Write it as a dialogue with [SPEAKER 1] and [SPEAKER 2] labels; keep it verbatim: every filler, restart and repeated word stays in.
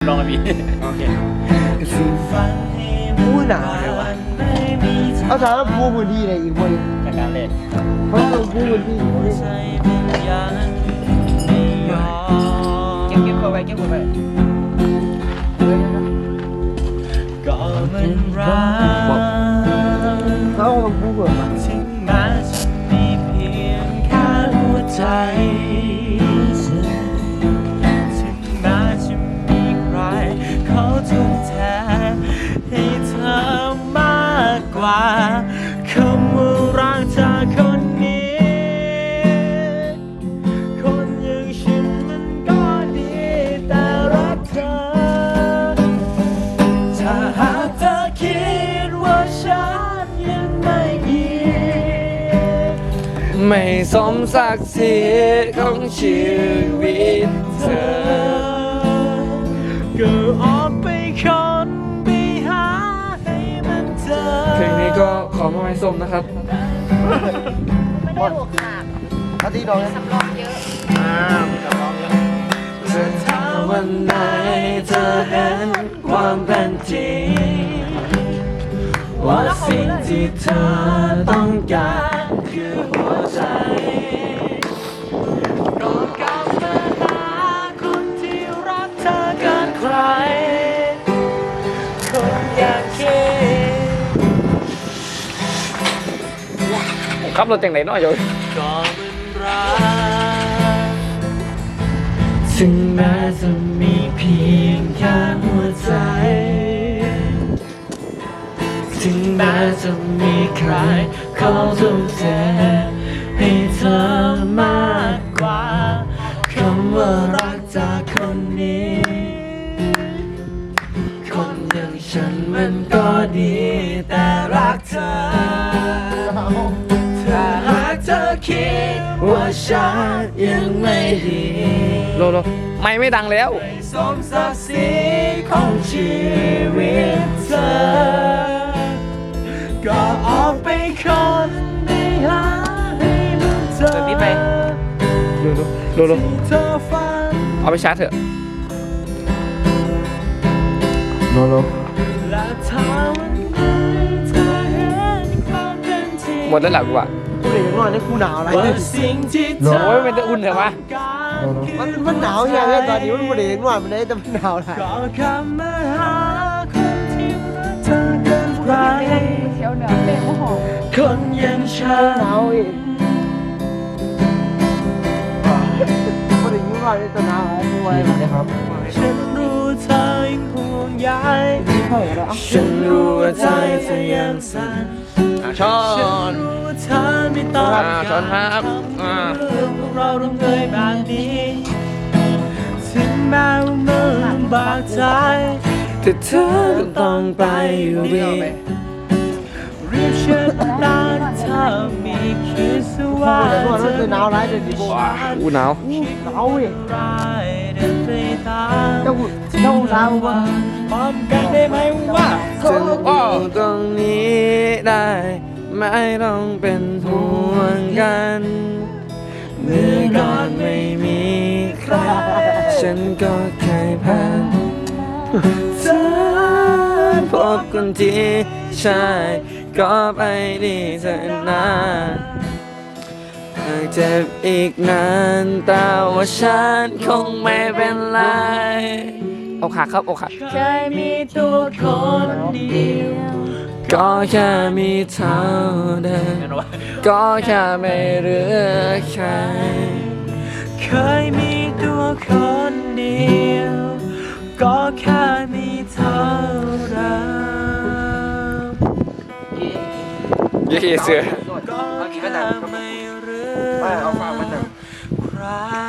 [SPEAKER 1] ลองกันพี่โอเค
[SPEAKER 2] พูดหนาวเลยวะเอาสารพูดพื้นที่อะไรอีกคน
[SPEAKER 1] จากการเล่น
[SPEAKER 2] เพราะเราพูดพื้นที่
[SPEAKER 1] เก็บเก็บเข้าไปเก็บเข้าไปก็มันรัก
[SPEAKER 2] เขาต้องพูดแบบว่า
[SPEAKER 1] ถึงแม้จะมีเพียงแค่หัวใจถึงแม้จะมีใครเขาทุ่มเทให้เธอมากกว่าคำว่ารักจากคนนี้คนอย่างฉันมันก็ดีแต่รักเธอถ้าหากเธอคิดว่าฉันยังไม่ดีไม่สมศักดิ์ศรีของชีวิตเธอก็ออกไปคนไปหาให้มันเจอเพลงนี้ก็ขอมาให้ส้มนะครับ
[SPEAKER 3] ไม่ได้อกหัก
[SPEAKER 2] อาทิตย์น้อง
[SPEAKER 3] สำรองเยอะ
[SPEAKER 1] อ่ามีสำรองเยอะจะถ้าวันไหนเธอเห็นความเป็นจริงว่าสิ่งที่เธอต้องการคือหัวใจก็กลับมาหาคนที่รักเธอเกินใครคนอยากคิดขับรถแต่งไหนน้อยอยู่ก็มันรักถึงแม้จะมีเพียงแค่หัวใจถึงแม้จะมีใครเขาทุ่มเทให้เธอมากกว่าคำว่ารักจากคนนี้คนอย่างฉันมันก็ดีแต่รักเธอถ้าหากเธอคิดว่าฉันยังไม่ดีโลโลไม่ไม่ดังแล้วสมศักดิ์ศรีของชีวิตเธอก็ออกไปคนไปหาให้มันเจอนี่ไปโลโลโลโลเอาไปชาร์จเถอะ
[SPEAKER 2] โลโล
[SPEAKER 1] หมดแล้วหลักว่า
[SPEAKER 2] กูเลยยังนอนในกูหนาวอะไร
[SPEAKER 1] โอ้ยมันจะอุ่นเหรอวะ
[SPEAKER 2] มันมันหนาวอย่างเงี้ยตอนนี้มันไม่ได้ยังนอนมันได้แต่มันหนาวอะไร
[SPEAKER 3] เชียวเหนือเป็นมะฮอ
[SPEAKER 1] คนยังฉัน
[SPEAKER 2] หนาวอีกไม่ได้ยังนอนในตัวหนาวอะไรนะครับ
[SPEAKER 1] ฉันรู้เธอยังห่วงใยฉันรู้ว่าใจเธอยังสั่นช้อนเธอไม่ต้องการทำเรื่องของเราต้องเคยแบบนี้ถึงแม้ว่ามันลำบากใจแต่เธอต้องไปอยู่ดีรีบเชิญตาเธอมีคิดว่า
[SPEAKER 2] เธอหนาวไรเดี๋ยวดิ
[SPEAKER 1] ว้าอู้หนาว
[SPEAKER 2] หนาวอีกเจ้าเจ้าหนาวว่า
[SPEAKER 1] พร้อมกันได้ไหมว่าจะอยู่ตรงนี้ได้ไม่ต้องเป็นห่วงกันเมื่อก่อนไม่มีใครฉันก็เคยผ่านเธอพบคนที่ใช่ก็ไปดีเธอนะหากเจ็บอีกนานแต่ว่าฉันคงไม่เป็นไรอกหักครับอกหัก
[SPEAKER 3] เคยมีตัวคนเดียว
[SPEAKER 1] ก็แค่มีเท่าเดิมก็แค่ไม่เหลือใครเคยมีตัวคนเดียวก็แค่มีเท่าเดิมยี่เสือก็แค่ไม่เหลือใคร